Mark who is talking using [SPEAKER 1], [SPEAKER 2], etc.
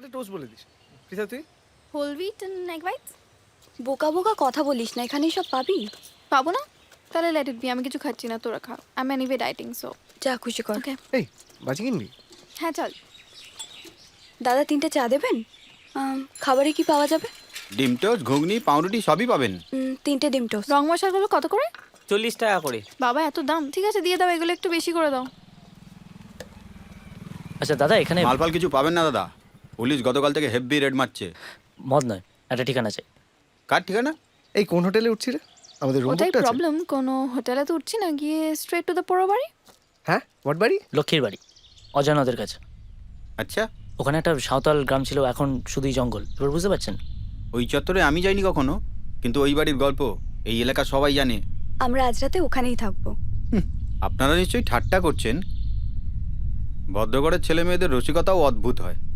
[SPEAKER 1] একটা টোস্ট বলে দিস। পৃথা তুই?
[SPEAKER 2] Whole wheat and egg whites.
[SPEAKER 3] বোকা বোকা কথা বলিস না, এখানেই সব পাবি।
[SPEAKER 2] পাবো না? তাহলে লেট ইট বি, আমি কিছু খাচ্ছি না, তোরা খা। I am anyway dieting, so
[SPEAKER 3] যা খুশি কর।
[SPEAKER 2] ওকে।
[SPEAKER 1] এই বাজি কিনবি?
[SPEAKER 2] হ্যাঁ চল।
[SPEAKER 3] দাদা 3টে চা দেবেন? খাবারে কি পাওয়া যাবে?
[SPEAKER 4] ডিম টোস্ট, ঘুগনি, পাউরুটি সবই পাবেন।
[SPEAKER 3] 3টে ডিম টোস্ট।
[SPEAKER 2] রং মশলাগুলো কত করে?
[SPEAKER 5] 40 টাকা করে।
[SPEAKER 2] বাবা এত দাম? ঠিক আছে দিয়ে দাও, এগুলো একটু বেশি করে দাও।
[SPEAKER 5] আচ্ছা দাদা, এখানে
[SPEAKER 4] মালপাল কিছু পাবেন না দাদা, পুলিশ গতকাল থেকে হেভি রেড মারছে।
[SPEAKER 5] মদ নয়, একটা ঠিকানা চাই।
[SPEAKER 4] কার ঠিকানা?
[SPEAKER 1] এই কোন হোটেলে উঠছি রে? আমাদের রুম
[SPEAKER 2] ওটাই
[SPEAKER 1] বুকটা আছে?
[SPEAKER 2] প্রবলেম, কোনো হোটেলে তো উঠছি না, গিয়ে স্ট্রেট টু দ্য পোড়ো বাড়ি।
[SPEAKER 1] হ্যাঁ, হোয়াট বাড়ি?
[SPEAKER 5] লক্ষ্মীর বাড়ি, অজানাদের কাছে।
[SPEAKER 4] আচ্ছা,
[SPEAKER 5] ওখানে একটা সাঁওতাল গ্রাম ছিল, এখন শুধুই জঙ্গল। এবার বুঝতে পারছেন?
[SPEAKER 4] ওই চত্বরে আমি যাইনি কখনো, কিন্তু ওই বাড়ির গল্প এই এলাকা সবাই জানে।
[SPEAKER 3] আমরা আজ রাতে ওখানেই থাকবো।
[SPEAKER 4] আপনারা নিশ্চয়ই ঠাট্টা করছেন। ভদ্রগড়ের ছেলে মেয়েদের রসিকতাও অদ্ভুত হয়।